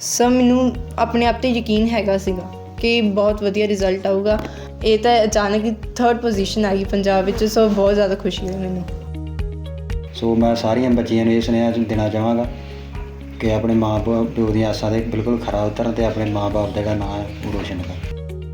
Sir ਮੈਨੂੰ ਆਪਣੇ ਆਪ 'ਤੇ ਯਕੀਨ ਹੈਗਾ ਸੀਗਾ ਕਿ ਬਹੁਤ ਵਧੀਆ ਰਿਜ਼ਲਟ ਆਊਗਾ। ਇਹ ਤਾਂ ਅਚਾਨਕ ਹੀ 3rd ਪੋਜੀਸ਼ਨ ਆ ਗਈ ਪੰਜਾਬ ਵਿੱਚ, ਸੋ ਬਹੁਤ ਜ਼ਿਆਦਾ ਖੁਸ਼ੀ ਹੋਈ ਮੈਨੂੰ। ਸੋ ਮੈਂ ਸਾਰੀਆਂ ਬੱਚੀਆਂ ਨੂੰ ਇਹ ਸੁਨੇਹਾ ਦੇਣਾ ਚਾਹਾਂਗਾ ਕਿ ਆਪਣੇ ਮਾਂ ਪਿਓ ਦੀਆਂ ਆਸਾਂ 'ਤੇ ਬਿਲਕੁਲ ਖਰਾ ਉਤਰਨ ਅਤੇ ਆਪਣੇ ਮਾਂ ਬਾਪ ਦਾ ਜਿਹੜਾ ਨਾਂ ਹੈ ਉਹ ਰੋਸ਼ਨ ਕਰਨ।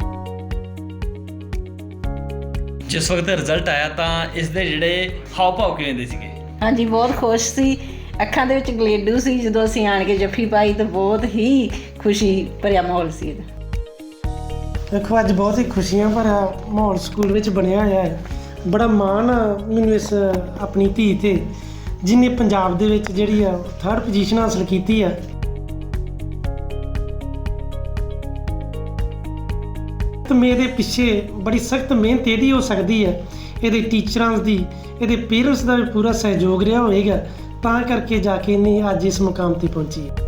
ਜਿਸ ਵਕਤ ਰਿਜ਼ਲਟ ਆਇਆ ਤਾਂ ਇਸ ਦੇ ਜਿਹੜੇ ਹਾਵ ਭਾਵ ਕਿਵੇਂ ਦੇ ਸੀਗੇ? ਹਾਂਜੀ, ਬਹੁਤ ਖੁਸ਼ ਸੀ। ਅੱਖਾਂ ਦੇ ਵਿੱਚ ਗਲੇਡੂ ਸੀ ਜਦੋਂ ਅਸੀਂ ਆਣ ਕੇ ਜੱਫੀ ਪਾਈ ਤਾਂ ਬਹੁਤ ਹੀ ਖੁਸ਼ੀ ਭਰਿਆ ਮਾਹੌਲ ਸੀ ਇਹਦਾ। ਦੇਖੋ, ਅੱਜ ਬਹੁਤ ਹੀ ਖੁਸ਼ੀਆਂ ਭਰਿਆ ਮਾਹੌਲ ਸਕੂਲ ਵਿੱਚ ਬਣਿਆ ਹੋਇਆ ਹੈ। ਬੜਾ ਮਾਣ ਆ ਮੈਨੂੰ ਇਸ ਆਪਣੀ ਧੀ 'ਤੇ ਜਿਹਨੇ ਪੰਜਾਬ ਦੇ ਵਿੱਚ ਜਿਹੜੀ ਆ 3rd ਪੋਜੀਸ਼ਨ ਹਾਸਲ ਕੀਤੀ ਆ। ਤੇ ਮੇਰੇ ਪਿੱਛੇ ਬੜੀ ਸਖਤ ਮਿਹਨਤ ਇਹਦੀ ਹੋ ਸਕਦੀ ਹੈ, ਇਹਦੇ ਟੀਚਰਾਂ ਦੀ, ਇਹਦੇ ਪੇਰੈਂਟਸ ਦਾ ਵੀ ਪੂਰਾ ਸਹਿਯੋਗ ਰਿਹਾ ਹੋਵੇਗਾ, ਤਾਂ ਕਰਕੇ ਜਾ ਕੇ ਇਹਨੇ ਅੱਜ ਇਸ ਮੁਕਾਮ 'ਤੇ ਪਹੁੰਚੀ ਹੈ।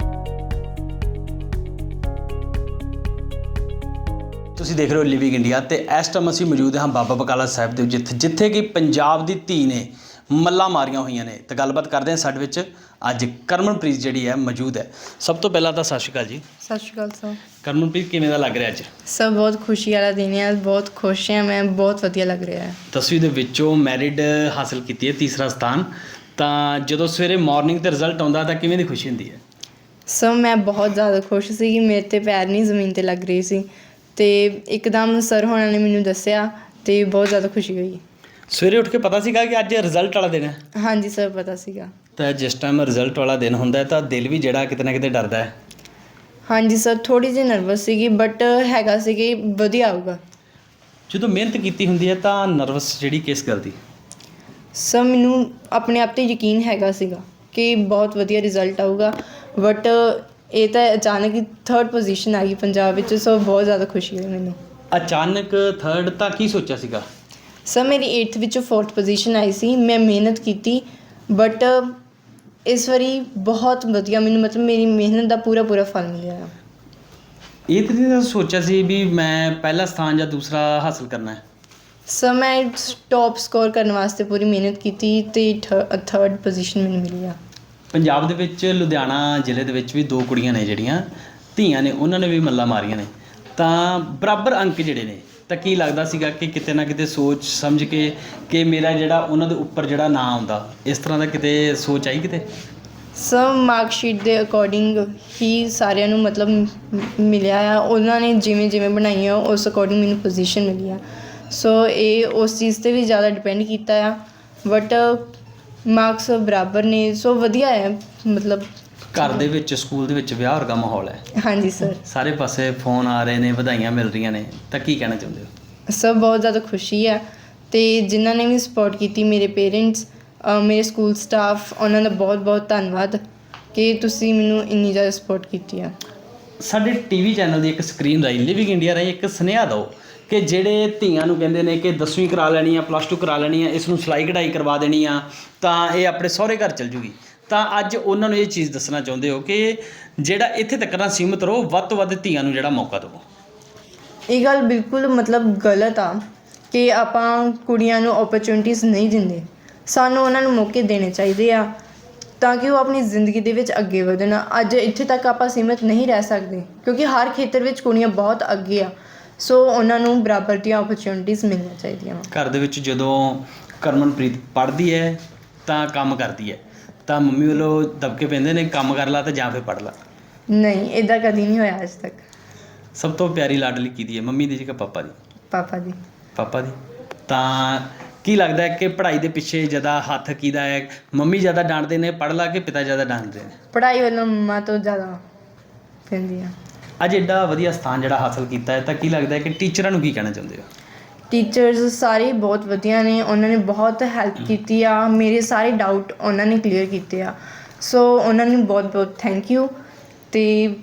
ਤੁਸੀਂ ਦੇਖ ਰਹੇ ਹੋ ਲਿਵਿੰਗ ਇੰਡੀਆ ਤੇ ਇਸ ਟਾਈਮ ਅਸੀਂ ਮੌਜੂਦ ਹਾਂ ਬਾਬਾ ਬਕਾਲਾ ਸਾਹਿਬ ਦੇ ਜਿੱਥੇ ਕਿ ਪੰਜਾਬ ਦੀ ਧੀ ਨੇ ਮੱਲਾਂ ਮਾਰੀਆਂ ਹੋਈਆਂ ਨੇ। ਤੇ ਗੱਲਬਾਤ ਕਰਦੇ ਹਾਂ ਸਾਡੇ ਵਿੱਚ ਅੱਜ ਕਰਮਨਪ੍ਰੀਤ ਜਿਹੜੀ ਹੈ ਮੌਜੂਦ ਹੈ। ਸਭ ਤੋਂ ਪਹਿਲਾਂ ਤਾਂ ਸਤਿ ਸ਼੍ਰੀ ਅਕਾਲ ਜੀ। ਸਤਿ ਸ਼੍ਰੀ ਅਕਾਲ ਸਰ। ਕਰਮਨਪ੍ਰੀਤ, ਕਿਵੇਂ ਦਾ ਲੱਗ ਰਿਹਾ ਅੱਜ? ਸਰ ਬਹੁਤ ਖੁਸ਼ੀ ਵਾਲਾ ਦਿਨ ਹੈ, ਬਹੁਤ ਖੁਸ਼ ਹਾਂ ਮੈਂ, ਬਹੁਤ ਵਧੀਆ ਲੱਗ ਰਿਹਾ ਹੈ। 10ਵੀਂ ਦੇ ਵਿੱਚੋਂ ਮੈਰਿਟ ਹਾਸਲ ਕੀਤੀ ਹੈ, 3ਰਾ ਸਥਾਨ। ਤਾਂ ਜਦੋਂ ਸਵੇਰੇ ਮਾਰਨਿੰਗ ਤੇ ਰਿਜ਼ਲਟ ਆਉਂਦਾ ਤਾਂ ਕਿਵੇਂ ਦੀ ਖੁਸ਼ੀ ਹੁੰਦੀ ਹੈ? ਸਰ ਮੈਂ ਬਹੁਤ ਜ਼ਿਆਦਾ ਖੁਸ਼ ਸੀ ਕਿ ਮੇਰੇ 'ਤੇ ਪੈਰ ਨਹੀਂ ਜ਼ਮੀਨ 'ਤੇ ਲੱਗ ਰਹੀ ਸੀ, ਅਤੇ ਇੱਕਦਮ ਸਰ ਹੋਣਾ ਨੇ ਮੈਨੂੰ ਦੱਸਿਆ ਅਤੇ ਬਹੁਤ ਜ਼ਿਆਦਾ ਖੁਸ਼ੀ ਹੋਈ। ਸਵੇਰੇ ਉੱਠ ਕੇ ਪਤਾ ਸੀਗਾ ਕਿ ਅੱਜ ਰਿਜ਼ਲਟ ਵਾਲਾ ਦਿਨ ਹੈ? ਹਾਂਜੀ ਸਰ, ਪਤਾ ਸੀਗਾ। ਤਾਂ ਜਿਸ ਟਾਈਮ ਰਿਜ਼ਲਟ ਵਾਲਾ ਦਿਨ ਹੁੰਦਾ ਹੈ ਤਾਂ ਦਿਲ ਵੀ ਜਿਹੜਾ ਕਿਤੇ ਨਾ ਕਿਤੇ ਡਰਦਾ ਹੈ। ਹਾਂਜੀ ਸਰ, ਥੋੜ੍ਹੀ ਜਿਹੀ ਨਰਵਸ ਸੀਗੀ, ਬਟ ਹੈਗਾ ਸੀ ਕਿ ਵਧੀਆ ਆਊਗਾ। ਜਦੋਂ ਮਿਹਨਤ ਕੀਤੀ ਹੁੰਦੀ ਹੈ ਤਾਂ ਨਰਵਸ ਜਿਹੜੀ ਕਿਸ ਗੱਲ ਦੀ? ਸਰ ਮੈਨੂੰ ਆਪਣੇ ਆਪ 'ਤੇ ਯਕੀਨ ਹੈਗਾ ਸੀਗਾ ਕਿ ਬਹੁਤ ਵਧੀਆ ਰਿਜ਼ਲਟ ਆਊਗਾ, ਬਟ ਇਹ ਤਾਂ ਅਚਾਨਕ ਹੀ 3rd ਪੋਜੀਸ਼ਨ ਆ ਗਈ ਪੰਜਾਬ ਵਿੱਚ, ਸੋ ਬਹੁਤ ਜ਼ਿਆਦਾ ਖੁਸ਼ੀ ਹੋਈ ਮੈਨੂੰ। ਅਚਾਨਕ 3rd ਤਾਂ ਕੀ ਸੋਚਿਆ ਸੀਗਾ? ਸਰ ਮੇਰੀ 8th ਵਿੱਚੋਂ 4th ਪੋਜੀਸ਼ਨ ਆਈ ਸੀ। ਮੈਂ ਮਿਹਨਤ ਕੀਤੀ, ਬਟ ਇਸ ਵਾਰੀ ਬਹੁਤ ਵਧੀਆ ਮੈਨੂੰ ਮਤਲਬ ਮੇਰੀ ਮਿਹਨਤ ਦਾ ਪੂਰਾ ਫਲ ਮਿਲਿਆ। ਇਹ ਤਾਂ ਨਹੀਂ ਸੋਚਿਆ ਸੀ ਵੀ ਮੈਂ ਪਹਿਲਾ ਸਥਾਨ ਜਾਂ ਦੂਸਰਾ ਹਾਸਲ ਕਰਨਾ ਹੈ? ਸਰ ਮੈਂ ਟੌਪ ਸਕੋਰ ਕਰਨ ਵਾਸਤੇ ਪੂਰੀ ਮਿਹਨਤ ਕੀਤੀ ਅਤੇ 3rd ਪੋਜੀਸ਼ਨ ਮੈਨੂੰ ਮਿਲੀ ਆ। ਪੰਜਾਬ ਦੇ ਵਿੱਚ ਲੁਧਿਆਣਾ ਜ਼ਿਲ੍ਹੇ ਦੇ ਵਿੱਚ ਵੀ 2 ਕੁੜੀਆਂ ਨੇ ਜਿਹੜੀਆਂ ਧੀਆਂ ਨੇ, ਉਹਨਾਂ ਨੇ ਵੀ ਮੱਲਾਂ ਮਾਰੀਆਂ ਨੇ, ਤਾਂ ਬਰਾਬਰ ਅੰਕ ਜਿਹੜੇ ਨੇ, ਤਾਂ ਕੀ ਲੱਗਦਾ ਸੀਗਾ ਕਿ ਕਿਤੇ ਨਾ ਕਿਤੇ ਸੋਚ ਸਮਝ ਕੇ ਕਿ ਮੇਰਾ ਜਿਹੜਾ ਉਹਨਾਂ ਦੇ ਉੱਪਰ ਜਿਹੜਾ ਨਾਂ ਆਉਂਦਾ, ਇਸ ਤਰ੍ਹਾਂ ਦਾ ਕਿਤੇ ਸੋਚ ਆਈ ਕਿਤੇ? ਸਰ ਮਾਰਕਸ਼ੀਟ ਦੇ ਅਕੋਰਡਿੰਗ ਹੀ ਸਾਰਿਆਂ ਨੂੰ ਮਤਲਬ ਮਿਲਿਆ ਆ, ਉਹਨਾਂ ਨੇ ਜਿਵੇਂ ਬਣਾਈਆਂ ਉਸ ਅਕੋਰਡਿੰਗ ਮੈਨੂੰ ਪੋਜੀਸ਼ਨ ਮਿਲੀ ਆ। ਸੋ ਇਹ ਉਸ ਚੀਜ਼ 'ਤੇ ਵੀ ਜ਼ਿਆਦਾ ਡਿਪੈਂਡ ਕੀਤਾ ਆ, ਬਟ ਮਾਰਕਸ ਬਰਾਬਰ ਨੇ, ਸੋ ਵਧੀਆ ਹੈ ਮਤਲਬ। ਘਰ ਦੇ ਵਿੱਚ, ਸਕੂਲ ਦੇ ਵਿੱਚ ਵਿਆਹ ਵਰਗਾ ਮਾਹੌਲ ਹੈ। ਹਾਂਜੀ ਸਰ। ਸਾਰੇ ਪਾਸੇ ਫੋਨ ਆ ਰਹੇ ਨੇ, ਵਧਾਈਆਂ ਮਿਲ ਰਹੀਆਂ ਨੇ, ਤਾਂ ਕੀ ਕਹਿਣਾ ਚਾਹੁੰਦੇ ਹੋ? ਸਰ ਬਹੁਤ ਜ਼ਿਆਦਾ ਖੁਸ਼ੀ ਆ, ਅਤੇ ਜਿਨ੍ਹਾਂ ਨੇ ਵੀ ਸਪੋਰਟ ਕੀਤੀ, ਮੇਰੇ ਪੇਰੈਂਟਸ, ਮੇਰੇ ਸਕੂਲ ਸਟਾਫ, ਉਹਨਾਂ ਦਾ ਬਹੁਤ ਧੰਨਵਾਦ ਕਿ ਤੁਸੀਂ ਮੈਨੂੰ ਇੰਨੀ ਜ਼ਿਆਦਾ ਸਪੋਰਟ ਕੀਤੀ ਆ। ਸਾਡੇ ਟੀਵੀ ਚੈਨਲ ਦੀ ਇੱਕ ਸਕਰੀਨ ਰਾਹੀਂ, ਲਿਵਿੰਗ ਇੰਡੀਆ ਰਾਹੀਂ ਇੱਕ ਸੁਨੇਹਾ ਦਿਓ ਕਿ ਜਿਹੜੇ ਧੀਆਂ ਨੂੰ ਕਹਿੰਦੇ ਨੇ ਕਿ 10ਵੀਂ ਕਰਾ ਲੈਣੀ ਆ, +2 ਕਰਾ ਲੈਣੀ ਆ, ਇਸ ਨੂੰ ਸਿਲਾਈ ਕਢਾਈ ਕਰਵਾ ਦੇਣੀ ਆ ਤਾਂ ਇਹ ਆਪਣੇ ਸਹੁਰੇ ਘਰ ਚਲ ਜੂਗੀ, ਤਾਂ ਅੱਜ ਉਹਨਾਂ ਨੂੰ ਇਹ ਚੀਜ਼ ਦੱਸਣਾ ਚਾਹੁੰਦੇ ਹੋ ਕਿ ਜਿਹੜਾ ਇੱਥੇ ਤੱਕ ਨਾ ਸੀਮਿਤ ਰਹੋ, ਵੱਧ ਤੋਂ ਵੱਧ ਧੀਆਂ ਨੂੰ ਜਿਹੜਾ ਮੌਕਾ ਦਿਓ? ਇਹ ਗੱਲ ਬਿਲਕੁਲ ਮਤਲਬ ਗਲਤ ਆ ਕਿ ਆਪਾਂ ਕੁੜੀਆਂ ਨੂੰ ਓਪਰਚੁਨਿਟੀਜ਼ ਨਹੀਂ ਦਿੰਦੇ। ਸਾਨੂੰ ਉਹਨਾਂ ਨੂੰ ਮੌਕੇ ਦੇਣੇ ਚਾਹੀਦੇ ਆ ਤਾਂ ਕਿ ਉਹ ਆਪਣੀ ਜ਼ਿੰਦਗੀ ਦੇ ਵਿੱਚ ਅੱਗੇ ਵਧਣ। ਅੱਜ ਇੱਥੇ ਤੱਕ ਆਪਾਂ ਸੀਮਿਤ ਨਹੀਂ ਰਹਿ ਸਕਦੇ ਕਿਉਂਕਿ ਹਰ ਖੇਤਰ ਵਿੱਚ ਕੁੜੀਆਂ ਬਹੁਤ ਅੱਗੇ ਆ, ਸੋ ਉਹਨਾਂ ਨੂੰ ਬਰਾਬਰ ਦੀਆਂ ਓਪਰਚੁਨਿਟੀਜ਼ ਮਿਲਣੀਆਂ ਚਾਹੀਦੀਆਂ ਵਾ। ਘਰ ਦੇ ਵਿੱਚ ਜਦੋਂ ਕਰਮਨਪ੍ਰੀਤ ਪੜ੍ਹਦੀ ਹੈ ਤਾਂ ਕੰਮ ਕਰਦੀ ਹੈ ਤਾਂ ਮੰਮੀ ਵੱਲੋਂ ਦਬਕੇ ਪੈਂਦੇ ਨੇ, ਕੰਮ ਕਰ ਲਾ ਤਾਂ ਜਾਂ ਫਿਰ ਪੜ੍ਹ ਲਾ? ਨਹੀਂ, ਇੱਦਾਂ ਕਦੀ ਨਹੀਂ ਹੋਇਆ ਅੱਜ ਤੱਕ। ਸਭ ਤੋਂ ਪਿਆਰੀ ਲਾਡਲੀ ਕਿਹਦੀ ਹੈ, ਮੰਮੀ ਦੀ ਕਿ ਪਾਪਾ ਦੀ? ਪਾਪਾ ਦੀ। ਪਾਪਾ ਦੀ। ਤਾਂ ਕੀ ਲੱਗਦਾ ਹੈ ਕਿ ਪੜ੍ਹਾਈ ਦੇ ਪਿੱਛੇ ਜ਼ਿਆਦਾ ਹੱਥ ਕਿਹਦਾ ਹੈ? ਮੰਮੀ ਜ਼ਿਆਦਾ ਡਾਂਟਦੇ ਨੇ ਪੜ੍ਹ ਲਾ ਕਿ ਪਿਤਾ ਜ਼ਿਆਦਾ ਡਾਂਟਦੇ ਨੇ? ਪੜ੍ਹਾਈ ਵੱਲੋਂ ਮੰਮਾ ਤੋਂ ਜ਼ਿਆਦਾ ਪੈਂਦੀ ਆ। ਅੱਜ ਐਡਾ ਵਧੀਆ ਸਥਾਨ ਜਿਹੜਾ ਹਾਸਲ ਕੀਤਾ ਹੈ ਤਾਂ ਕੀ ਲੱਗਦਾ ਹੈ ਕਿ ਟੀਚਰਾਂ ਨੂੰ ਕੀ ਕਹਿਣਾ ਚਾਹੁੰਦੇ ਹੋ? ਟੀਚਰਸ ਸਾਰੇ ਬਹੁਤ ਵਧੀਆ ਨੇ, ਉਹਨਾਂ ਨੇ ਬਹੁਤ ਹੈਲਪ ਕੀਤੀ ਆ, ਮੇਰੇ ਸਾਰੇ ਡਾਊਟ ਉਹਨਾਂ ਨੇ ਕਲੀਅਰ ਕੀਤੇ ਆ, ਸੋ ਉਹਨਾਂ ਨੂੰ ਬਹੁਤ ਥੈਂਕ ਯੂ। ਅਤੇ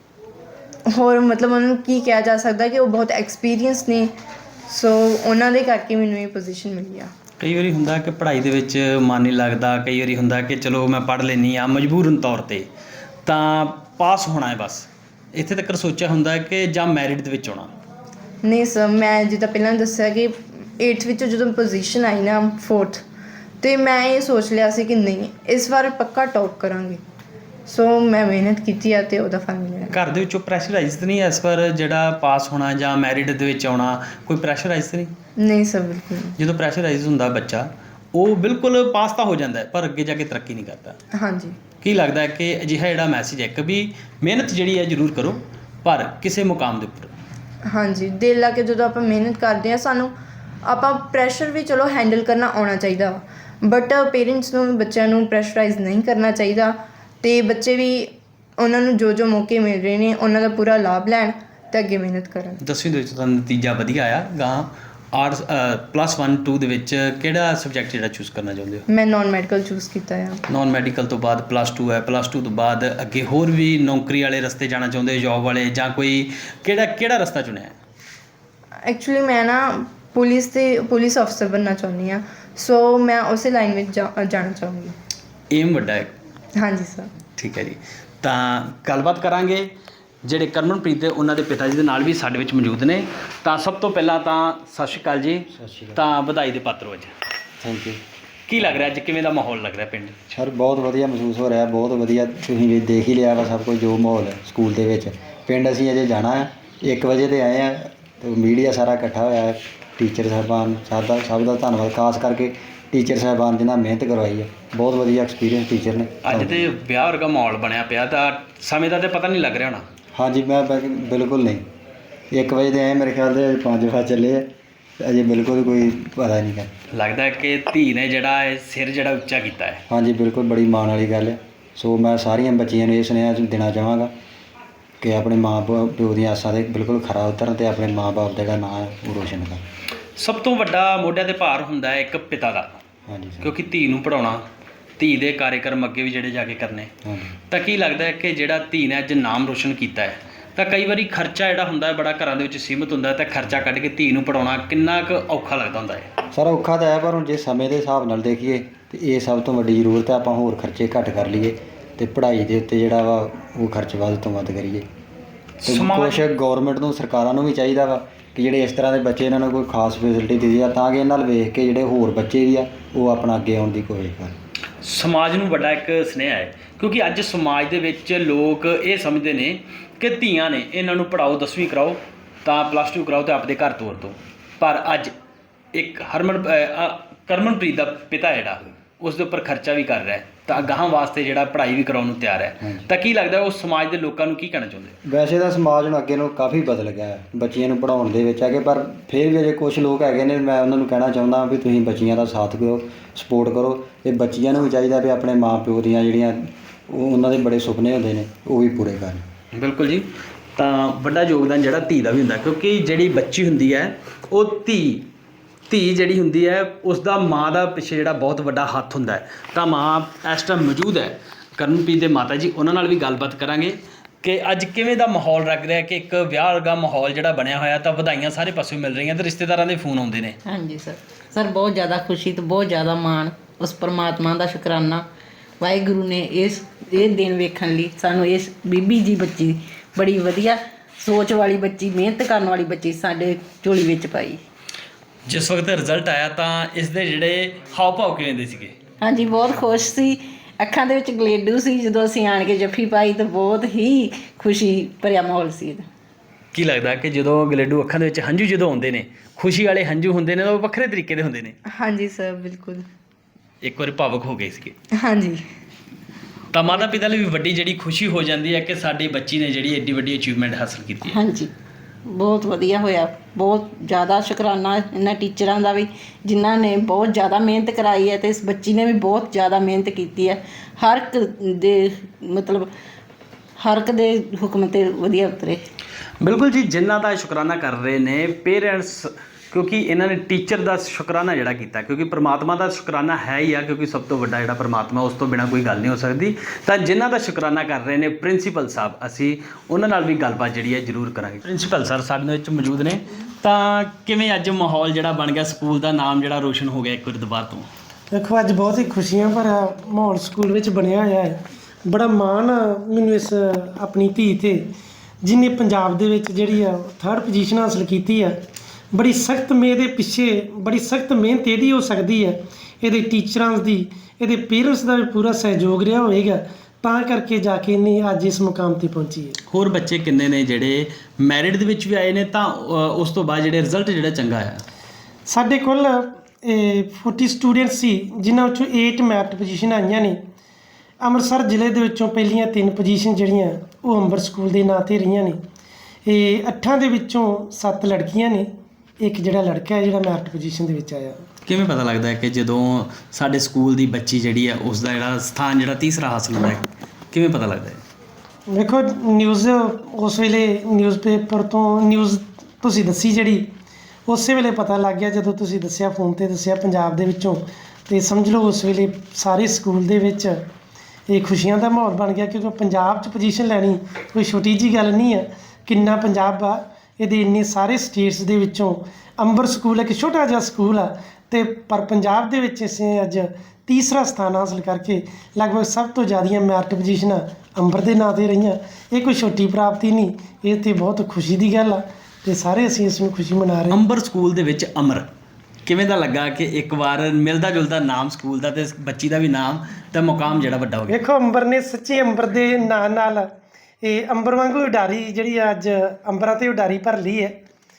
ਹੋਰ ਮਤਲਬ ਉਹਨਾਂ ਨੂੰ ਕੀ ਕਿਹਾ ਜਾ ਸਕਦਾ ਕਿ ਉਹ ਬਹੁਤ ਐਕਸਪੀਰੀਅੰਸ ਨੇ, ਸੋ ਉਹਨਾਂ ਦੇ ਕਰਕੇ ਮੈਨੂੰ ਇਹ ਪੋਜੀਸ਼ਨ ਮਿਲੀ ਆ। ਕਈ ਵਾਰੀ ਹੁੰਦਾ ਕਿ ਪੜ੍ਹਾਈ ਦੇ ਵਿੱਚ ਮਨ ਨਹੀਂ ਲੱਗਦਾ, ਕਈ ਵਾਰੀ ਹੁੰਦਾ ਕਿ ਚਲੋ ਮੈਂ ਪੜ੍ਹ ਲੈਂਦੀ ਹਾਂ ਮਜਬੂਰਨ ਤੌਰ 'ਤੇ, ਤਾਂ ਪਾਸ ਹੋਣਾ ਹੈ ਬਸ, ਇੱਥੇ ਤੱਕ ਸੋਚਿਆ ਹੁੰਦਾ ਕਿ ਜਾਂ ਮੈਰਿਟ ਦੇ ਵਿੱਚ ਆਉਣਾ? ਨਹੀਂ ਸਰ, ਮੈਂ ਜਿੱਦਾਂ ਪਹਿਲਾਂ ਦੱਸਿਆ ਕਿ 8th ਵਿੱਚ ਜਦੋਂ ਪੋਜੀਸ਼ਨ ਆਈ ਨਾ 4th, ਅਤੇ ਮੈਂ ਇਹ ਸੋਚ ਲਿਆ ਸੀ ਕਿ ਨਹੀਂ, ਇਸ ਵਾਰ ਪੱਕਾ ਟੌਪ ਕਰਾਂਗੇ। ਸੋ ਮੈਂ ਮਿਹਨਤ ਕੀਤੀ ਆ ਤੇ ਉਹਦਾ ਫਲ ਮਿਲਿਆ। ਘਰ ਦੇ ਵਿੱਚੋਂ ਪ੍ਰੈਸ਼ਰਾਈਜ਼ ਤਾਂ ਨਹੀਂ ਇਸ ਵਾਰ ਜਿਹੜਾ ਪਾਸ ਹੋਣਾ ਜਾਂ ਮੈਰਿਟ ਦੇ ਵਿੱਚ ਆਉਣਾ, ਕੋਈ ਪ੍ਰੈਸ਼ਰਾਈਜ਼ ਤਾਂ ਨਹੀਂ? ਨਹੀਂ ਸਰ, ਬਿਲਕੁਲ ਨਹੀਂ। ਜਦੋਂ ਪ੍ਰੈਸ਼ਰਾਈਜ਼ ਹੁੰਦਾ ਬੱਚਾ ਉਹ ਬਿਲਕੁਲ ਪਾਸ ਤਾਂ ਹੋ ਜਾਂਦਾ ਹੈ ਪਰ ਅੱਗੇ ਜਾ ਕੇ ਤਰੱਕੀ ਨਹੀਂ ਕਰਦਾ। ਹਾਂਜੀ। ਕੀ ਲੱਗਦਾ ਹੈ ਕਿ ਅਜਿਹਾ ਜਿਹੜਾ ਮੈਸੇਜ ਹੈ ਕਿ ਵੀ ਮਿਹਨਤ ਜਿਹੜੀ ਹੈ ਜ਼ਰੂਰ ਕਰੋ ਪਰ ਕਿਸੇ ਮੁਕਾਮ ਦੇ ਉੱਪਰ। ਹਾਂਜੀ, ਦਿਲ ਲਾ ਕੇ ਜਦੋਂ ਆਪਾਂ ਮਿਹਨਤ ਕਰਦੇ ਆ, ਸਾਨੂੰ ਆਪਾਂ ਪ੍ਰੈਸ਼ਰ ਵੀ ਚਲੋ ਹੈਂਡਲ ਕਰਨਾ ਆਉਣਾ ਚਾਹੀਦਾ ਵਾ, ਬਟ ਪੇਰੈਂਟਸ ਨੂੰ ਬੱਚਿਆਂ ਨੂੰ ਪ੍ਰੈਸ਼ਰਾਈਜ਼ ਨਹੀਂ ਕਰਨਾ ਚਾਹੀਦਾ ਅਤੇ ਬੱਚੇ ਵੀ ਉਹਨਾਂ ਨੂੰ ਜੋ ਮੌਕੇ ਮਿਲ ਰਹੇ ਨੇ ਉਹਨਾਂ ਦਾ ਪੂਰਾ ਲਾਭ ਲੈਣ ਅਤੇ ਅੱਗੇ ਮਿਹਨਤ ਕਰਨ। 10ਵੀਂ ਦੇ ਵਿੱਚ ਤਾਂ ਨਤੀਜਾ ਵਧੀਆ ਆਇਆ, ਗਾਂ ਆਰਟਸ +1 2 ਦੇ ਵਿੱਚ ਕਿਹੜਾ ਸਬਜੈਕਟ ਜਿਹੜਾ ਚੂਜ਼ ਕਰਨਾ ਚਾਹੁੰਦੇ ਹੋ? ਮੈਂ ਨਾਨ ਮੈਡੀਕਲ ਚੂਜ਼ ਕੀਤਾ ਆ। ਨਾਨ ਮੈਡੀਕਲ ਤੋਂ ਬਾਅਦ +2 ਹੈ, +2 ਤੋਂ ਬਾਅਦ ਅੱਗੇ ਹੋਰ ਵੀ ਨੌਕਰੀ ਵਾਲੇ ਰਸਤੇ ਜਾਣਾ ਚਾਹੁੰਦੇ, ਜੋਬ ਵਾਲੇ, ਜਾਂ ਕੋਈ ਕਿਹੜਾ ਰਸਤਾ ਚੁਣਿਆ? ਐਕਚੁਅਲੀ ਮੈਂ ਨਾ ਪੁਲਿਸ ਅਫਸਰ ਬਣਨਾ ਚਾਹੁੰਦੀ ਹਾਂ, ਸੋ ਮੈਂ ਉਸੇ ਲਾਈਨ ਵਿੱਚ ਜਾਣਾ ਚਾਹੂੰਗੀ। ਏਮ ਵੱਡਾ ਹੈ। ਹਾਂਜੀ ਸਰ। ਠੀਕ ਹੈ ਜੀ, ਤਾਂ ਗੱਲਬਾਤ ਕਰਾਂਗੇ ਜਿਹੜੇ ਕਰਮਨਪ੍ਰੀਤ ਦੇ ਉਹਨਾਂ ਦੇ ਪਿਤਾ ਜੀ ਦੇ ਨਾਲ ਵੀ ਸਾਡੇ ਵਿੱਚ ਮੌਜੂਦ ਨੇ। ਤਾਂ ਸਭ ਤੋਂ ਪਹਿਲਾਂ ਤਾਂ ਸਤਿ ਸ਼੍ਰੀ ਅਕਾਲ ਜੀ। ਸਤਿ ਸ਼੍ਰੀ ਅਕਾਲ। ਤਾਂ ਵਧਾਈ ਦੇ ਪਾਤਰ ਅੱਜ। Thank you. ਕੀ ਲੱਗ ਰਿਹਾ ਅੱਜ, ਕਿਵੇਂ ਦਾ ਮਾਹੌਲ ਲੱਗ ਰਿਹਾ ਪਿੰਡ? ਸਰ ਬਹੁਤ ਵਧੀਆ ਮਹਿਸੂਸ ਹੋ ਰਿਹਾ, ਬਹੁਤ ਵਧੀਆ। ਤੁਸੀਂ ਵੀ ਦੇਖ ਹੀ ਲਿਆ ਵਾ ਸਭ ਕੁਝ, ਜੋ ਮਾਹੌਲ ਹੈ ਸਕੂਲ ਦੇ ਵਿੱਚ। ਪਿੰਡ ਅਸੀਂ ਅਜੇ ਜਾਣਾ ਹੈ, 1 ਵਜੇ ਤੇ ਆਏ ਆ ਤੇ ਮੀਡੀਆ ਸਾਰਾ ਇਕੱਠਾ ਹੋਇਆ ਹੈ। ਟੀਚਰ ਸਾਹਿਬਾਨ ਸਭ ਦਾ ਧੰਨਵਾਦ, ਖਾਸ ਕਰਕੇ ਟੀਚਰ ਸਾਹਿਬਾਨ ਜਿਨ੍ਹਾਂ ਮਿਹਨਤ ਕਰਵਾਈ ਹੈ। ਬਹੁਤ ਵਧੀਆ ਐਕਸਪੀਰੀਅੰਸ ਟੀਚਰ ਨੇ। ਅੱਜ ਤੇ ਵਿਆਹ ਵਰਗਾ ਮਾਹੌਲ ਬਣਿਆ ਪਿਆ, ਤਾਂ ਸਮੇਂ ਦਾ ਤਾਂ ਪਤਾ ਨਹੀਂ ਲੱਗ ਰਿਹਾ ਹੋਣਾ। ਹਾਂਜੀ, ਮੈਂ ਬਿਲਕੁਲ ਨਹੀਂ। 1 ਵਜੇ ਦੇ ਆਏ, ਮੇਰੇ ਖਿਆਲ ਦੇ 5 ਵਜੇ ਚੱਲੇ ਆ, ਅਜੇ ਬਿਲਕੁਲ ਕੋਈ ਪਤਾ ਨਹੀਂ ਹੈ। ਲੱਗਦਾ ਹੈ ਕਿ ਧੀ ਨੇ ਜਿਹੜਾ ਇਹ ਸਿਰ ਜਿਹੜਾ ਉੱਚਾ ਕੀਤਾ ਹੈ। ਹਾਂਜੀ, ਬਿਲਕੁਲ ਬੜੀ ਮਾਣ ਵਾਲੀ ਗੱਲ ਹੈ। ਸੋ ਮੈਂ ਸਾਰੀਆਂ ਬੱਚੀਆਂ ਨੂੰ ਇਹ ਸੁਨੇਹਾ ਦੇਣਾ ਚਾਹਾਂਗਾ ਕਿ ਆਪਣੇ ਮਾਂ ਪਿਓ ਦੀਆਂ ਆਸਾਂ 'ਤੇ ਬਿਲਕੁਲ ਖਰਾ ਉਤਰਨ ਅਤੇ ਆਪਣੇ ਮਾਂ ਬਾਪ ਦਾ ਜਿਹੜਾ ਨਾਂ ਹੈ ਉਹ ਰੋਸ਼ਨ ਕਰਨ। ਸਭ ਤੋਂ ਵੱਡਾ ਮੋਢਿਆਂ 'ਤੇ ਭਾਰ ਹੁੰਦਾ ਹੈ ਇੱਕ ਪਿਤਾ ਦਾ, ਹਾਂਜੀ ਸਰ। ਕਿਉਂਕਿ ਧੀ ਨੂੰ ਪੜ੍ਹਾਉਣਾ, ਧੀ ਦੇ ਕਾਰਜਕ੍ਰਮ ਅੱਗੇ ਵੀ ਜਿਹੜੇ ਜਾ ਕੇ ਕਰਨੇ। ਹਾਂਜੀ। ਤਾਂ ਕੀ ਲੱਗਦਾ ਹੈ ਕਿ ਜਿਹੜਾ ਧੀ ਨੇ ਅੱਜ ਨਾਮ ਰੋਸ਼ਨ ਕੀਤਾ ਹੈ, ਤਾਂ ਕਈ ਵਾਰੀ ਖਰਚਾ ਜਿਹੜਾ ਹੁੰਦਾ ਹੈ ਬੜਾ ਘਰਾਂ ਦੇ ਵਿੱਚ ਸੀਮਿਤ ਹੁੰਦਾ ਹੈ, ਤਾਂ ਖਰਚਾ ਕੱਢ ਕੇ ਧੀ ਨੂੰ ਪੜ੍ਹਾਉਣਾ ਕਿੰਨਾ ਕੁ ਔਖਾ ਲੱਗਦਾ ਹੁੰਦਾ ਹੈ? ਸਾਰਾ ਔਖਾ ਤਾਂ ਹੈ, ਪਰ ਹੁਣ ਜੇ ਸਮੇਂ ਦੇ ਹਿਸਾਬ ਨਾਲ ਦੇਖੀਏ ਤਾਂ ਇਹ ਸਭ ਤੋਂ ਵੱਡੀ ਜ਼ਰੂਰਤ ਹੈ। ਆਪਾਂ ਹੋਰ ਖਰਚੇ ਘੱਟ ਕਰ ਲਈਏ ਅਤੇ ਪੜ੍ਹਾਈ ਦੇ ਉੱਤੇ ਜਿਹੜਾ ਵਾ ਉਹ ਖਰਚ ਵੱਧ ਤੋਂ ਵੱਧ ਕਰੀਏ। ਅਤੇ ਕੁਛ ਗੌਰਮੈਂਟ ਨੂੰ, ਸਰਕਾਰਾਂ ਨੂੰ ਵੀ ਚਾਹੀਦਾ ਵਾ ਕਿ ਜਿਹੜੇ ਇਸ ਤਰ੍ਹਾਂ ਦੇ ਬੱਚੇ ਇਹਨਾਂ ਨੂੰ ਕੋਈ ਖਾਸ ਫੈਸਿਲਿਟੀ ਦਿੱਤੀ ਆ, ਤਾਂ ਕਿ ਇਹਨਾਂ ਨਾਲ ਵੇਖ ਕੇ ਜਿਹੜੇ ਹੋਰ ਬੱਚੇ ਵੀ ਆ ਉਹ ਆਪਣਾ ਅੱਗੇ ਆਉਣ ਦੀ ਕੋਸ਼ਿਸ਼ ਕਰਨ। ਸਮਾਜ ਨੂੰ ਵੱਡਾ ਇੱਕ ਸੁਨੇਹਾ ਹੈ, ਕਿਉਂਕਿ ਅੱਜ ਸਮਾਜ ਦੇ ਵਿੱਚ ਲੋਕ ਇਹ ਸਮਝਦੇ ਨੇ ਕਿ ਧੀਆਂ ਨੇ, ਇਹਨਾਂ ਨੂੰ ਪੜ੍ਹਾਓ, 10ਵੀਂ ਕਰਾਓ, ਤਾਂ +2 ਕਰਾਓ ਅਤੇ ਆਪਣੇ ਘਰ ਤੋਰ ਦਿਓ। ਪਰ ਅੱਜ ਇੱਕ ਕਰਮਨਪ੍ਰੀਤ ਦਾ ਪਿਤਾ ਜਿਹੜਾ ਉਸ ਦੇ ਉੱਪਰ ਖਰਚਾ ਵੀ ਕਰ ਰਿਹਾ ਹੈ, ਤਾਂ ਅਗਾਂਹ ਵਾਸਤੇ ਜਿਹੜਾ ਪੜ੍ਹਾਈ ਵੀ ਕਰਾਉਣ ਨੂੰ ਤਿਆਰ ਹੈ। ਤਾਂ ਕੀ ਲੱਗਦਾ ਉਹ ਸਮਾਜ ਦੇ ਲੋਕਾਂ ਨੂੰ ਕੀ ਕਹਿਣਾ ਚਾਹੁੰਦੇ? ਵੈਸੇ ਤਾਂ ਸਮਾਜ ਨੂੰ ਅੱਗੇ ਨੂੰ ਕਾਫੀ ਬਦਲ ਗਿਆ ਹੈ ਬੱਚੀਆਂ ਨੂੰ ਪੜ੍ਹਾਉਣ ਦੇ ਵਿੱਚ ਹੈਗੇ, ਪਰ ਫਿਰ ਵੀ ਅਜੇ ਕੁਛ ਲੋਕ ਹੈਗੇ ਨੇ। ਮੈਂ ਉਹਨਾਂ ਨੂੰ ਕਹਿਣਾ ਚਾਹੁੰਦਾ ਵੀ ਤੁਸੀਂ ਬੱਚੀਆਂ ਦਾ ਸਾਥ ਦਿਓ, ਸਪੋਰਟ ਕਰੋ। ਇਹ ਬੱਚੀਆਂ ਨੂੰ ਵੀ ਚਾਹੀਦਾ ਵੀ ਆਪਣੇ ਮਾਂ ਪਿਓ ਦੀਆਂ ਜਿਹੜੀਆਂ ਉਹਨਾਂ ਦੇ ਬੜੇ ਸੁਪਨੇ ਹੁੰਦੇ ਨੇ ਉਹ ਵੀ ਪੂਰੇ ਕਰਨ। ਬਿਲਕੁਲ ਜੀ, ਤਾਂ ਵੱਡਾ ਯੋਗਦਾਨ ਜਿਹੜਾ ਧੀ ਦਾ ਵੀ ਹੁੰਦਾ, ਕਿਉਂਕਿ ਜਿਹੜੀ ਬੱਚੀ ਹੁੰਦੀ ਹੈ ਉਹ ਧੀ ਜਿਹੜੀ ਹੁੰਦੀ ਹੈ ਉਸ ਦਾ ਮਾਂ ਦਾ ਪਿੱਛੇ ਜਿਹੜਾ ਬਹੁਤ ਵੱਡਾ ਹੱਥ ਹੁੰਦਾ ਹੈ। ਤਾਂ ਮਾਂ ਇਸ ਟਾਈਮ ਮੌਜੂਦ ਹੈ ਕਰਮਨਪ੍ਰੀਤ ਦੇ ਮਾਤਾ ਜੀ, ਉਹਨਾਂ ਨਾਲ ਵੀ ਗੱਲਬਾਤ ਕਰਾਂਗੇ ਕਿ ਅੱਜ ਕਿਵੇਂ ਦਾ ਮਾਹੌਲ ਲੱਗ ਰਿਹਾ, ਕਿ ਇੱਕ ਵਿਆਹ ਵਰਗਾ ਮਾਹੌਲ ਜਿਹੜਾ ਬਣਿਆ ਹੋਇਆ, ਤਾਂ ਵਧਾਈਆਂ ਸਾਰੇ ਪਾਸਿਓਂ ਮਿਲ ਰਹੀਆਂ ਤੇ ਰਿਸ਼ਤੇਦਾਰਾਂ ਦੇ ਫੋਨ ਆਉਂਦੇ ਨੇ। ਹਾਂਜੀ ਸਰ ਬਹੁਤ ਜ਼ਿਆਦਾ ਖੁਸ਼ੀ ਤੇ ਬਹੁਤ ਜ਼ਿਆਦਾ ਮਾਣ, ਉਸ ਪਰਮਾਤਮਾ ਦਾ ਸ਼ੁਕਰਾਨਾ। ਵਾਹਿਗੁਰੂ ਨੇ ਇਹ ਦਿਨ ਵੇਖਣ ਲਈ ਸਾਨੂੰ ਇਸ ਬੀਬੀ ਜੀ ਬੱਚੀ, ਬੜੀ ਵਧੀਆ ਸੋਚ ਵਾਲੀ ਬੱਚੀ, ਮਿਹਨਤ ਕਰਨ ਵਾਲੀ ਬੱਚੀ ਸਾਡੇ ਝੋਲੀ ਵਿੱਚ ਪਾਈ। ਜਿਸ ਵਕਤ ਰਿਜ਼ਲਟ ਆਇਆ ਤਾਂ ਇਸ ਦੇ ਜਿਹੜੇ ਹਾਵ ਭਾਵ ਕਿਵੇਂ ਦੇ ਸੀਗੇ? ਹਾਂਜੀ, ਬਹੁਤ ਖੁਸ਼ ਸੀ, ਅੱਖਾਂ ਦੇ ਵਿੱਚ ਗਲੇਡੂ ਸੀ। ਜਦੋਂ ਅਸੀਂ ਆਣ ਕੇ ਜੱਫੀ ਪਾਈ ਤਾਂ ਬਹੁਤ ਹੀ ਖੁਸ਼ੀ ਭਰਿਆ ਮਾਹੌਲ ਸੀ ਇਹਦਾ। ਕੀ ਲੱਗਦਾ ਕਿ ਜਦੋਂ ਗਲੇਡੂ ਅੱਖਾਂ ਦੇ ਵਿੱਚ ਹੰਝੂ ਜਦੋਂ ਆਉਂਦੇ ਨੇ, ਖੁਸ਼ੀ ਵਾਲੇ ਹੰਝੂ ਹੁੰਦੇ ਨੇ, ਉਹ ਵੱਖਰੇ ਤਰੀਕੇ ਦੇ ਹੁੰਦੇ ਨੇ? ਹਾਂਜੀ ਸਰ, ਬਿਲਕੁਲ। ਇੱਕ ਵਾਰੀ ਭਾਵੁਕ ਹੋ ਗਏ ਸੀਗੇ। ਹਾਂਜੀ। ਤਾਂ ਮਾਤਾ ਪਿਤਾ ਲਈ ਵੀ ਵੱਡੀ ਜਿਹੜੀ ਖੁਸ਼ੀ ਹੋ ਜਾਂਦੀ ਹੈ ਕਿ ਸਾਡੀ ਬੱਚੀ ਨੇ ਜਿਹੜੀ ਐਡੀ ਵੱਡੀ ਅਚੀਵਮੈਂਟ ਹਾਸਲ ਕੀਤੀ ਹੈ। ਹਾਂਜੀ, ਬਹੁਤ ਵਧੀਆ ਹੋਇਆ। ਬਹੁਤ ਜ਼ਿਆਦਾ ਸ਼ੁਕਰਾਨਾ ਇਹਨਾਂ ਟੀਚਰਾਂ ਦਾ ਵੀ, ਜਿਨ੍ਹਾਂ ਨੇ ਬਹੁਤ ਜ਼ਿਆਦਾ ਮਿਹਨਤ ਕਰਾਈ ਹੈ, ਅਤੇ ਇਸ ਬੱਚੀ ਨੇ ਵੀ ਬਹੁਤ ਜ਼ਿਆਦਾ ਮਿਹਨਤ ਕੀਤੀ ਹੈ। ਹਰ ਇੱਕ ਦੇ ਹਰ ਇੱਕ ਦੇ ਹੁਕਮ 'ਤੇ ਵਧੀਆ ਉਤਰੇ। ਬਿਲਕੁਲ ਜੀ, ਜਿਨ੍ਹਾਂ ਦਾ ਸ਼ੁਕਰਾਨਾ ਕਰ ਰਹੇ ਨੇ ਪੇਰੈਂਟਸ, ਕਿਉਂਕਿ ਇਹਨਾਂ ਨੇ ਟੀਚਰ ਦਾ ਸ਼ੁਕਰਾਨਾ ਜਿਹੜਾ ਕੀਤਾ, ਕਿਉਂਕਿ ਪ੍ਰਮਾਤਮਾ ਦਾ ਸ਼ੁਕਰਾਨਾ ਹੈ ਹੀ ਆ, ਕਿਉਂਕਿ ਸਭ ਤੋਂ ਵੱਡਾ ਜਿਹੜਾ ਪ੍ਰਮਾਤਮਾ, ਉਸ ਤੋਂ ਬਿਨਾਂ ਕੋਈ ਗੱਲ ਨਹੀਂ ਹੋ ਸਕਦੀ। ਤਾਂ ਜਿਨ੍ਹਾਂ ਦਾ ਸ਼ੁਕਰਾਨਾ ਕਰ ਰਹੇ ਨੇ ਪ੍ਰਿੰਸੀਪਲ ਸਾਹਿਬ, ਅਸੀਂ ਉਹਨਾਂ ਨਾਲ ਵੀ ਗੱਲਬਾਤ ਜਿਹੜੀ ਹੈ ਜ਼ਰੂਰ ਕਰਾਂਗੇ। ਪ੍ਰਿੰਸੀਪਲ ਸਰ ਸਾਡੇ ਵਿੱਚ ਮੌਜੂਦ ਨੇ, ਤਾਂ ਕਿਵੇਂ ਅੱਜ ਮਾਹੌਲ ਜਿਹੜਾ ਬਣ ਗਿਆ, ਸਕੂਲ ਦਾ ਨਾਮ ਜਿਹੜਾ ਰੋਸ਼ਨ ਹੋ ਗਿਆ ਇੱਕ ਵਾਰ ਦੁਬਾਰਾ ਤੋਂ? ਦੇਖੋ, ਅੱਜ ਬਹੁਤ ਹੀ ਖੁਸ਼ੀਆਂ ਭਰਿਆ ਮਾਹੌਲ ਸਕੂਲ ਵਿੱਚ ਬਣਿਆ ਹੋਇਆ ਹੈ। ਬੜਾ ਮਾਣ ਮੈਨੂੰ ਇਸ ਆਪਣੀ ਧੀ 'ਤੇ, ਜਿਹਨੇ ਪੰਜਾਬ ਦੇ ਵਿੱਚ ਜਿਹੜੀ ਆ 3rd ਪੋਜੀਸ਼ਨ ਹਾਸਲ ਕੀਤੀ ਆ। ਬੜੀ ਸਖਤ ਇਹਦੇ ਪਿੱਛੇ ਬੜੀ ਸਖਤ ਮਿਹਨਤ ਇਹਦੀ ਹੋ ਸਕਦੀ ਹੈ, ਇਹਦੇ ਟੀਚਰਾਂ ਦੀ, ਇਹਦੇ ਪੇਰੈਂਟਸ ਦਾ ਵੀ ਪੂਰਾ ਸਹਿਯੋਗ ਰਿਹਾ ਹੋਵੇਗਾ, ਤਾਂ ਕਰਕੇ ਜਾ ਕੇ ਇਹਨੇ ਅੱਜ ਇਸ ਮੁਕਾਮ ਤੇ ਪਹੁੰਚੀ ਹੈ। ਹੋਰ ਬੱਚੇ ਕਿੰਨੇ ਨੇ ਜਿਹੜੇ ਮੈਰਿਟ ਦੇ ਵਿੱਚ ਵੀ ਆਏ ਨੇ ਤਾਂ ਉਸ ਤੋਂ ਬਾਅਦ ਜਿਹੜੇ ਰਿਜ਼ਲਟ ਜਿਹੜਾ ਚੰਗਾ ਆਇਆ? ਸਾਡੇ ਕੋਲ 40 ਸਟੂਡੈਂਟ ਸੀ, ਜਿਨ੍ਹਾਂ ਵਿੱਚੋਂ 8 ਮੈਰਿਟ ਪੋਜੀਸ਼ਨ ਆਈਆਂ ਨੇ। ਅੰਮ੍ਰਿਤਸਰ ਜ਼ਿਲ੍ਹੇ ਦੇ ਵਿੱਚੋਂ ਪਹਿਲੀਆਂ 3 ਪੋਜੀਸ਼ਨ ਜਿਹੜੀਆਂ ਉਹ ਅੰਬਰ ਸਕੂਲ ਦੇ ਨਾਂ 'ਤੇ ਰਹੀਆਂ ਨੇ। ਇਹ 8 ਦੇ ਵਿੱਚੋਂ 7 ਲੜਕੀਆਂ ਨੇ, ਇੱਕ ਜਿਹੜਾ ਲੜਕਾ ਹੈ ਜਿਹੜਾ ਮੈਰਿਟ ਪੋਜੀਸ਼ਨ ਦੇ ਵਿੱਚ ਆਇਆ। ਕਿਵੇਂ ਪਤਾ ਲੱਗਦਾ ਹੈ ਕਿ ਜਦੋਂ ਸਾਡੇ ਸਕੂਲ ਦੀ ਬੱਚੀ ਜਿਹੜੀ ਹੈ ਉਸ ਦਾ ਜਿਹੜਾ ਸਥਾਨ ਜਿਹੜਾ ਤੀਸਰਾ ਹਾਸਲ ਹੁੰਦਾ ਹੈ, ਕਿਵੇਂ ਪਤਾ ਲੱਗਦਾ ਹੈ? ਵੇਖੋ, ਨਿਊਜ਼ ਉਸ ਵੇਲੇ ਨਿਊਜ਼ਪੇਪਰ ਤੋਂ ਨਿਊਜ਼ ਤੁਸੀਂ ਦੱਸੀ ਜਿਹੜੀ, ਉਸੇ ਵੇਲੇ ਪਤਾ ਲੱਗ ਗਿਆ ਜਦੋਂ ਤੁਸੀਂ ਦੱਸਿਆ, ਫੋਨ ਤੇ ਦੱਸਿਆ ਪੰਜਾਬ ਦੇ ਵਿੱਚੋਂ, ਤੇ ਸਮਝ ਲਓ ਉਸ ਵੇਲੇ ਸਾਰੇ ਸਕੂਲ ਦੇ ਵਿੱਚ ਇਹ ਖੁਸ਼ੀਆਂ ਦਾ ਮਾਹੌਲ ਬਣ ਗਿਆ, ਕਿਉਂਕਿ ਪੰਜਾਬ 'ਚ ਪੋਜੀਸ਼ਨ ਲੈਣੀ ਕੋਈ ਛੋਟੀ ਜਿਹੀ ਗੱਲ ਨਹੀਂ ਆ। ਕਿੰਨਾ ਪੰਜਾਬ ਆ, ਇਹਦੇ ਇੰਨੇ ਸਾਰੇ ਸਟੇਟਸ ਦੇ ਵਿੱਚੋਂ ਅੰਬਰ ਸਕੂਲ ਇੱਕ ਛੋਟਾ ਜਿਹਾ ਸਕੂਲ ਆ, ਤੇ ਪਰ ਪੰਜਾਬ ਦੇ ਵਿੱਚ ਅਸੀਂ ਅੱਜ ਤੀਸਰਾ ਸਥਾਨ ਹਾਸਲ ਕਰਕੇ ਲਗਭਗ ਸਭ ਤੋਂ ਜ਼ਿਆਦੀਆਂ ਮੈਰਿਟ ਪੋਜੀਸ਼ਨਾਂ ਅੰਬਰ ਦੇ ਨਾਂ 'ਤੇ ਰਹੀਆਂ। ਇਹ ਕੋਈ ਛੋਟੀ ਪ੍ਰਾਪਤੀ ਨਹੀਂ, ਇਹ ਤਾਂ ਬਹੁਤ ਖੁਸ਼ੀ ਦੀ ਗੱਲ ਆ, ਤੇ ਸਾਰੇ ਅਸੀਂ ਇਸ ਨੂੰ ਖੁਸ਼ੀ ਮਨਾ ਰਹੇ ਹਾਂ। ਅੰਬਰ ਸਕੂਲ ਦੇ ਵਿੱਚ ਅਮਰ ਕਿਵੇਂ ਦਾ ਲੱਗਾ ਕਿ ਇੱਕ ਵਾਰ ਮਿਲਦਾ ਜੁਲਦਾ ਨਾਮ ਸਕੂਲ ਦਾ ਤੇ ਬੱਚੀ ਦਾ ਵੀ ਨਾਮ ਤੇ ਮੁਕਾਮ ਜਿਹੜਾ ਵੱਡਾ ਹੋ ਗਿਆ? ਵੇਖੋ, ਅੰਬਰ ਨੇ ਸੱਚੀ ਅੰਬਰ ਦੇ ਨਾਂ ਨਾਲ ਇਹ ਅੰਬਰ ਵਾਂਗੂ ਉਡਾਰੀ ਜਿਹੜੀ ਅੱਜ ਅੰਬਰਾਂ 'ਤੇ ਉਡਾਰੀ ਭਰ ਲਈ ਹੈ।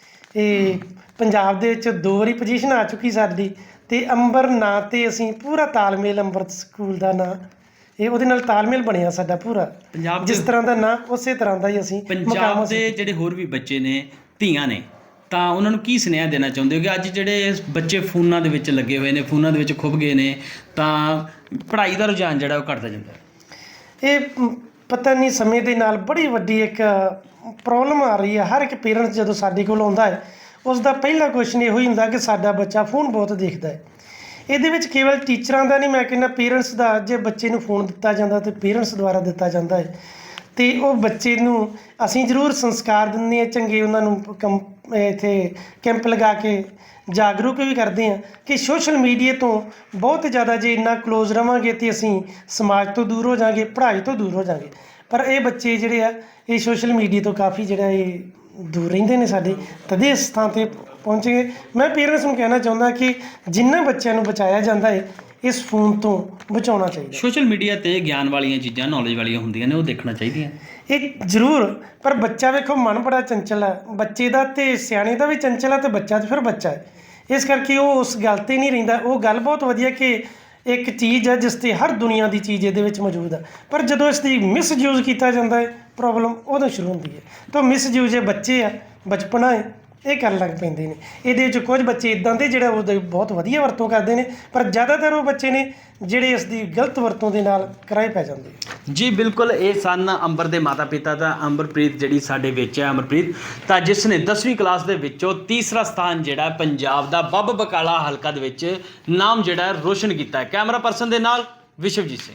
ਇਹ ਪੰਜਾਬ ਦੇ ਵਿੱਚ 2 ਵਾਰੀ ਪੋਜੀਸ਼ਨ ਆ ਚੁੱਕੀ ਸਾਡੀ, ਤੇ ਅੰਬਰ ਨਾਂ 'ਤੇ ਅਸੀਂ ਪੂਰਾ ਤਾਲਮੇਲ, ਅੰਬਰ ਸਕੂਲ ਦਾ ਨਾਂ ਇਹ ਉਹਦੇ ਨਾਲ ਤਾਲਮੇਲ ਬਣਿਆ ਸਾਡਾ ਪੂਰਾ। ਪੰਜਾਬ ਜਿਸ ਤਰ੍ਹਾਂ ਦਾ ਨਾਂ ਉਸੇ ਤਰ੍ਹਾਂ ਦਾ ਹੀ ਅਸੀਂ ਪੰਜਾਬ ਦੇ ਜਿਹੜੇ ਹੋਰ ਵੀ ਬੱਚੇ ਨੇ, ਧੀਆਂ ਨੇ, ਤਾਂ ਉਹਨਾਂ ਨੂੰ ਕੀ ਸੁਨੇਹਾ ਦੇਣਾ ਚਾਹੁੰਦੇ ਹੋ ਕਿ ਅੱਜ ਜਿਹੜੇ ਬੱਚੇ ਫੋਨਾਂ ਦੇ ਵਿੱਚ ਲੱਗੇ ਹੋਏ ਨੇ, ਫੋਨਾਂ ਦੇ ਵਿੱਚ ਖੁੱਭ ਗਏ ਨੇ, ਤਾਂ ਪੜ੍ਹਾਈ ਦਾ ਰੁਝਾਨ ਜਿਹੜਾ ਉਹ ਘਟਦਾ ਜਾਂਦਾ ਹੈ? ਇਹ ਪਤਾ ਨਹੀਂ, ਸਮੇਂ ਦੇ ਨਾਲ ਬੜੀ ਵੱਡੀ ਇੱਕ ਪ੍ਰੋਬਲਮ ਆ ਰਹੀ ਹੈ। ਹਰ ਇੱਕ ਪੇਰੈਂਟਸ ਜਦੋਂ ਸਾਡੇ ਕੋਲ ਆਉਂਦਾ ਹੈ, ਉਸ ਦਾ ਪਹਿਲਾ ਕੁਐਸਚਨ ਇਹੋ ਹੀ ਹੁੰਦਾ ਕਿ ਸਾਡਾ ਬੱਚਾ ਫੋਨ ਬਹੁਤ ਦੇਖਦਾ ਹੈ। ਇਹਦੇ ਵਿੱਚ ਕੇਵਲ ਟੀਚਰਾਂ ਦਾ ਨਹੀਂ, ਮੈਂ ਕਹਿੰਦਾ ਪੇਰੈਂਟਸ ਦਾ, ਜੇ ਬੱਚੇ ਨੂੰ ਫੋਨ ਦਿੱਤਾ ਜਾਂਦਾ ਤੇ ਪੇਰੈਂਟਸ ਦੁਆਰਾ ਦਿੱਤਾ ਜਾਂਦਾ ਹੈ, ਤੇ ਉਹ ਬੱਚੇ ਨੂੰ ਅਸੀਂ ਜ਼ਰੂਰ ਸੰਸਕਾਰ ਦਿੰਦੇ ਹਾਂ ਚੰਗੇ, ਉਹਨਾਂ ਨੂੰ ਇੱਥੇ ਕੈਂਪ ਲਗਾ ਕੇ ਜਾਗਰੂਕ ਵੀ ਕਰਦੇ ਹਾਂ ਕਿ ਸੋਸ਼ਲ ਮੀਡੀਆ ਤੋਂ ਬਹੁਤ ਜ਼ਿਆਦਾ ਜੇ ਇੰਨਾ ਕਲੋਜ਼ ਰਵਾਂਗੇ ਤੇ ਅਸੀਂ ਸਮਾਜ ਤੋਂ ਦੂਰ ਹੋ ਜਾਵਾਂਗੇ, ਪੜ੍ਹਾਈ ਤੋਂ ਦੂਰ ਹੋ ਜਾਵਾਂਗੇ। ਪਰ ਇਹ ਬੱਚੇ ਜਿਹੜੇ ਆ ਇਹ ਸੋਸ਼ਲ ਮੀਡੀਆ ਤੋਂ ਕਾਫੀ ਜਿਹੜਾ ਇਹ ਦੂਰ ਰਹਿੰਦੇ ਨੇ, ਸਾਡੇ ਤਦੇ ਇਸ ਥਾਂ 'ਤੇ ਪਹੁੰਚ ਗਏ। ਮੈਂ ਪੇਰੈਂਟਸ ਨੂੰ ਕਹਿਣਾ ਚਾਹੁੰਦਾ ਕਿ ਜਿਨ੍ਹਾਂ ਬੱਚਿਆਂ ਨੂੰ ਬਚਾਇਆ ਜਾਂਦਾ ਹੈ, ਇਸ ਫੋਨ ਤੋਂ ਬਚਾਉਣਾ ਚਾਹੀਦਾ। ਸੋਸ਼ਲ ਮੀਡੀਆ ਤੇ ਗਿਆਨ ਵਾਲੀਆਂ ਚੀਜ਼ਾਂ, ਨੌਲੇਜ ਵਾਲੀਆਂ ਹੁੰਦੀਆਂ ਨੇ, ਉਹ ਦੇਖਣਾ ਚਾਹੀਦੀਆਂ। ਇਹ ਜ਼ਰੂਰ, ਪਰ ਬੱਚਾ ਵੇਖੋ ਮਨ ਬੜਾ ਚੰਚਲ ਹੈ, ਬੱਚੇ ਦਾ ਤੇ ਸਿਆਣੇ ਦਾ ਵੀ ਚੰਚਲ ਹੈ, ਤੇ ਬੱਚਾ ਤਾਂ ਫਿਰ ਬੱਚਾ ਹੈ, ਇਸ ਕਰਕੇ ਉਹ ਉਸ ਗੱਲ 'ਤੇ ਨਹੀਂ ਰਹਿੰਦਾ। ਉਹ ਗੱਲ ਬਹੁਤ ਵਧੀਆ ਕਿ ਇੱਕ ਚੀਜ਼ ਹੈ ਜਿਸ 'ਤੇ ਹਰ ਦੁਨੀਆ ਦੀ ਚੀਜ਼ ਇਹਦੇ ਵਿੱਚ ਮੌਜੂਦ ਹੈ, ਪਰ ਜਦੋਂ ਇਸ ਦੀ ਮਿਸਯੂਜ਼ ਕੀਤਾ ਜਾਂਦਾ ਹੈ, ਪ੍ਰੋਬਲਮ ਉਦੋਂ ਸ਼ੁਰੂ ਹੁੰਦੀ ਹੈ। ਤਾਂ ਮਿਸਯੂਜ਼ ਇਹ ਬੱਚੇ ਆ, ਬਚਪਨਾ ਹੈ, ਇਹ ਕਰਨ ਲੱਗ ਪੈਂਦੇ ਨੇ। ਇਹਦੇ ਵਿੱਚ ਕੁਝ ਬੱਚੇ ਇੱਦਾਂ ਦੇ ਜਿਹੜੇ ਉਹਦੀ ਬਹੁਤ ਵਧੀਆ ਵਰਤੋਂ ਕਰਦੇ ਨੇ, ਪਰ ਜ਼ਿਆਦਾਤਰ ਉਹ ਬੱਚੇ ਨੇ ਜਿਹੜੇ ਇਸ ਦੀ ਗਲਤ ਵਰਤੋਂ ਦੇ ਨਾਲ ਕਿਰਾਏ ਪੈ ਜਾਂਦੇ। ਜੀ ਬਿਲਕੁਲ, ਇਹ ਸਨ ਅੰਬਰ ਦੇ ਮਾਤਾ ਪਿਤਾ ਤਾਂ ਅੰਬਰਪ੍ਰੀਤ ਜਿਹੜੀ ਸਾਡੇ ਵਿੱਚ ਹੈ, ਅਮਰਪ੍ਰੀਤ, ਤਾਂ ਜਿਸ ਨੇ 10ਵੀਂ ਕਲਾਸ ਦੇ ਵਿੱਚੋਂ ਤੀਸਰਾ ਸਥਾਨ ਜਿਹੜਾ ਪੰਜਾਬ ਦਾ ਬੱਬ ਬਕਾਲਾ ਹਲਕਾ ਦੇ ਵਿੱਚ ਨਾਮ ਜਿਹੜਾ ਰੋਸ਼ਨ ਕੀਤਾ ਹੈ। ਕੈਮਰਾ ਪਰਸਨ ਦੇ ਨਾਲ ਵਿਸ਼ਵਜੀਤ ਸਿੰਘ।